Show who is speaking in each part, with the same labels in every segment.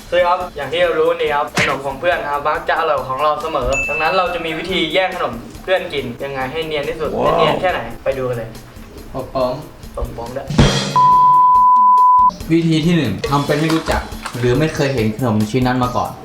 Speaker 1: สวัสดีครับอย่างที่เรารู้นี่ครับขนมของเพื่อนครับมักจะอร่อยของเราเสมอดังนั้นเราจะมีวิธีแยกขนมเพื่อนกินยังไงให้เนียนที่สุดจะเนียนแค่ไหนไปดูกันเลย
Speaker 2: พร้อม
Speaker 1: ผมด้วย
Speaker 2: วิธีที่ 1ทำเป็นไม่รู้จักหรือไม่เคยเห็นขนมชิ้นนั้นมาก่อน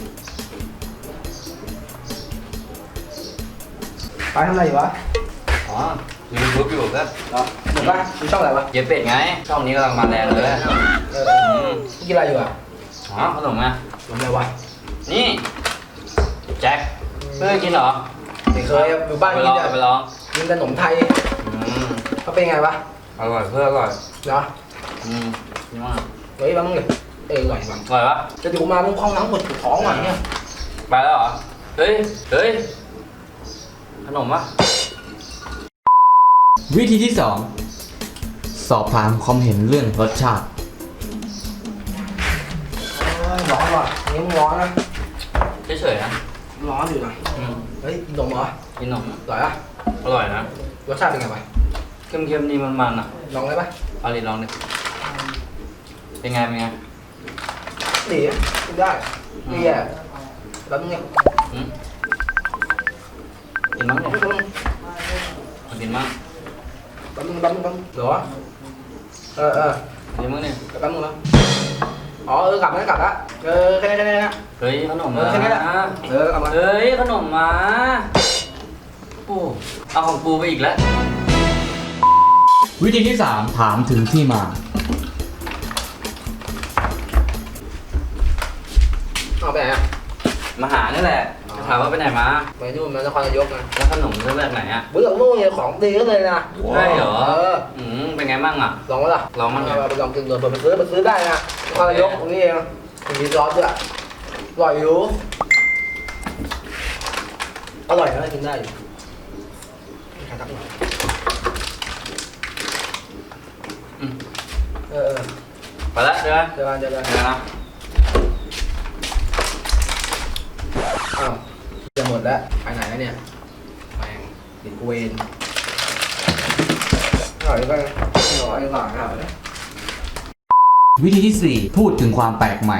Speaker 3: ไปทำอะไรอยู่วะ
Speaker 4: อ๋อดูยูทูบอยู่ครับ
Speaker 3: เหรอหนูป่ะดูช่องอะไรวะ
Speaker 4: เย็บเป็ดไงช่องนี้กำลังมาแรงเลย
Speaker 3: กินอะไรอยู่อ่ะ
Speaker 4: อ๋อขนมไง
Speaker 3: ขนมอะไรวะ
Speaker 4: นี่แจ็คเพื่อกินเหรอ
Speaker 3: ไม่เคยอยู่บ้านกินแต่
Speaker 4: ไปลอง
Speaker 3: กินขนมไทยเขาเป็นไงวะ
Speaker 4: อร่อยเพื่ออร่อย
Speaker 3: เหรอ
Speaker 4: นี่มาก
Speaker 3: เฮ้ยบ้างเลยอร่อยบ้าง
Speaker 4: อร่อยปะ
Speaker 3: จะอยู่มามึงคล้องน้ำปวดท้องหน่อยเนี่ย
Speaker 4: ไปแล้วเหรอเฮ้ยขนมปะ
Speaker 2: วิธีที่ 2สอบถามความเห็นเรื่องรสชาติ
Speaker 3: ร้อนว่ะนี่มึงร้อนนะ
Speaker 4: เฉยๆนะ
Speaker 3: ร้อนอยู่หน่อยเฮ้ยกินนมเหรอ
Speaker 4: กินนม
Speaker 3: อร่อยอ่ะ
Speaker 4: อร่อยนะ
Speaker 3: รสชาติเป็นไงวะ
Speaker 4: เค็มๆดีมันๆอ่ะ
Speaker 3: ลองได้ปะ
Speaker 4: เอาดิลองดิเป็นไง
Speaker 3: ดีกินได้ไม่แย่แล้วมึงเนี่ย
Speaker 4: กินมั้งเนี่ยกินมั้ง
Speaker 3: แป๊บนึงเหรอ
Speaker 4: กินมั้งเนี่ย
Speaker 3: แป๊บนึงแล้วอ๋อกลับแล้วแค่นี้นะ
Speaker 4: เฮ้ยขนมมา
Speaker 3: แค่นี้แหละกลับมา
Speaker 4: เฮ้ยขนมมาโอ้เอาของปูไปอีกแล้ว
Speaker 2: วิธีที่ 3ถามถึงที่มา
Speaker 3: เอาไปไหนอ่ะ
Speaker 4: มาหานี่แหละถามว่าไปไหนมา
Speaker 3: ไปนู่นมานครนายกนะ
Speaker 4: แล้วขนมซื้อแบบไหนอ่ะ
Speaker 3: บุญหลงนู่นเนี่ยของดีก็เลยนะ
Speaker 4: ใช่เหรอเป็นไงบ้างอ่ะ
Speaker 3: ลองมั้ยล่ะ
Speaker 4: ลองมั้ง
Speaker 3: ไปลองกินดูไปซื้อได้นะนครนายกตรงนี้เองมีซอสด้วยอร่อยอยู่อร่อยนะกินได้อยู่ใครทักหน่อย
Speaker 4: ไปแล้วใช่ไหม
Speaker 3: เจอกัน
Speaker 4: นะ
Speaker 3: อ้าวจะหมดแล้วไปไหนแล้วเนี่ยแม่งติดเวรอร่อยก็อร่อยหลังอ่ะ
Speaker 2: วิธีที่ 4พูดถึงความแปลกใหม่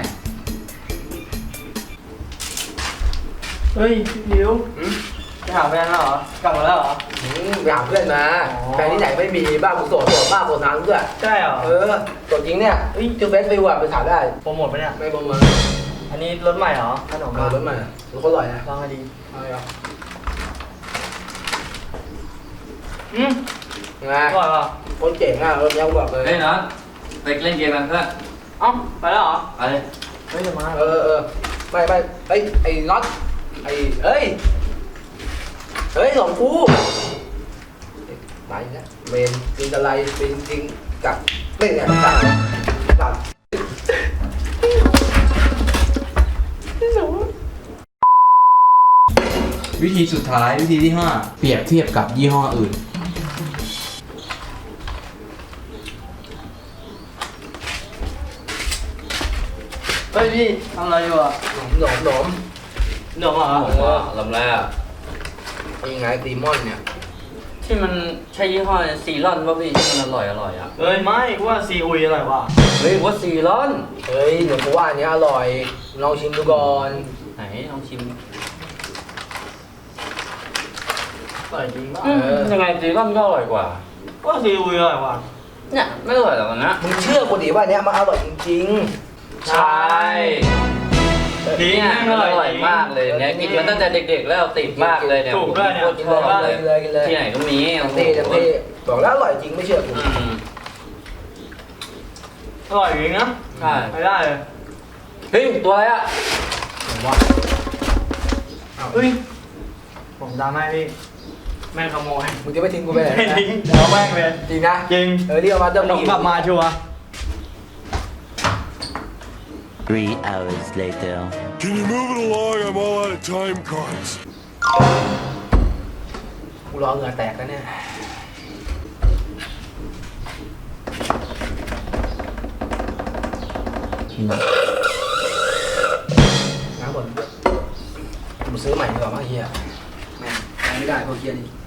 Speaker 1: เฮ้ยนิวไปหาแฟนแล้วเหรอกลับมาแล้วเหรอ
Speaker 3: ไปหาเพื่อนมาแฟนที่ไหนไม่มีบ้านกูโสดบ้านโสดนานด้วย
Speaker 1: ใช่เหรอ
Speaker 3: ตัวจริงเนี่ยชื่อเฟซไปว่ะไปถามได้
Speaker 1: โปรโมทปะเนี่ย
Speaker 3: ไม่โปรโมท
Speaker 1: อันนี้รถใหม่เหรอขนม
Speaker 3: รถใหม่รถเขาอร่อยนะ
Speaker 1: ลองให้ดี
Speaker 3: อะไรอ่ะ
Speaker 1: ไงอร่อยป่ะ
Speaker 3: คนเจ๋งอ่ะรถนี้บอกเลย
Speaker 4: เฮ้ยน็อตไปเล่นเกมกันเพื่อน
Speaker 1: เอ้าไปแล้วเหรอ
Speaker 4: ไปเลย
Speaker 1: เฮ้ยจะมา
Speaker 3: ไม่ไอ้น็อตเฮ้ยสองกูมาอีกแล้วเมนจริงอะไรเป็นจริงกับเล่นเนี่ยจัด
Speaker 2: วิธีสุดท้ายวิธีที่ 5เปรียบเทียบกับยี่ห้ออื่น
Speaker 1: เฮ้ยพี่ทำอะไรอยู่อ่ะ
Speaker 3: หนม
Speaker 1: เหรอ
Speaker 4: ลำแรก
Speaker 3: ยังไงตีมอนเนี่ย
Speaker 4: ที่มันใช่ยี่ห้อซีรอนป่ะพี่ที่มันอร่อยอ่ะ
Speaker 1: เฮ้ยไม่กูว่าซีอุยอร่อยว่ะ
Speaker 4: เฮ้ยว่าซีรอน
Speaker 3: เฮ้ยเดี๋ยวกูว่าอันนี้อร่อยลองชิมดูก่อน
Speaker 4: ไหนลองชิม
Speaker 1: อร่อยจริงป่ะ
Speaker 4: ยังไงซีรอนก็อร่อยกว่า
Speaker 1: ว่าซีอุยอร่อยว่ะ
Speaker 4: เนี่ยไม่อร่อยหรอกนะ
Speaker 3: มึงเชื่อกูดิว่าเนี้ยมันอร่อยจริง
Speaker 4: ๆใช่ดีเนี่ยอร่อยมากเลยเนี่ยกินมาตั้งแต่เด็กๆแล้วติดมากเลยเนี่ย
Speaker 1: ถูกด้วยเนี่ย
Speaker 3: กินเลย
Speaker 4: ที่ไหนก็มี
Speaker 3: เต้บอกแล้วอร่อยจริงไม่เชื่อกู
Speaker 1: อร่อยจริงนะ
Speaker 4: ใช่
Speaker 1: ไม่ได้เลย
Speaker 4: เฮ้ยตัวอะไรอ่ะ
Speaker 1: เฮ้ยผมดาไม่พี่แม่ขโมย
Speaker 3: มึงจะไม่ทิ้งกูไปไหน
Speaker 1: ไม่ทิ้งเดี๋ยวแม่งเลย
Speaker 3: จริงนะ
Speaker 1: จริง
Speaker 3: เรียกมาเจ้าหนุ่ม
Speaker 1: กลับมาชัวร์
Speaker 5: 3 hours later.
Speaker 6: Can you move it along? I'm all out of time cards.
Speaker 3: กูรอเหงื่อแตกแล้วเนี่ยน้ำบ่นกูซื้อใหม่ดีกว่ามั้งเฮียแม่ไม่ได้พวกเฮียนี่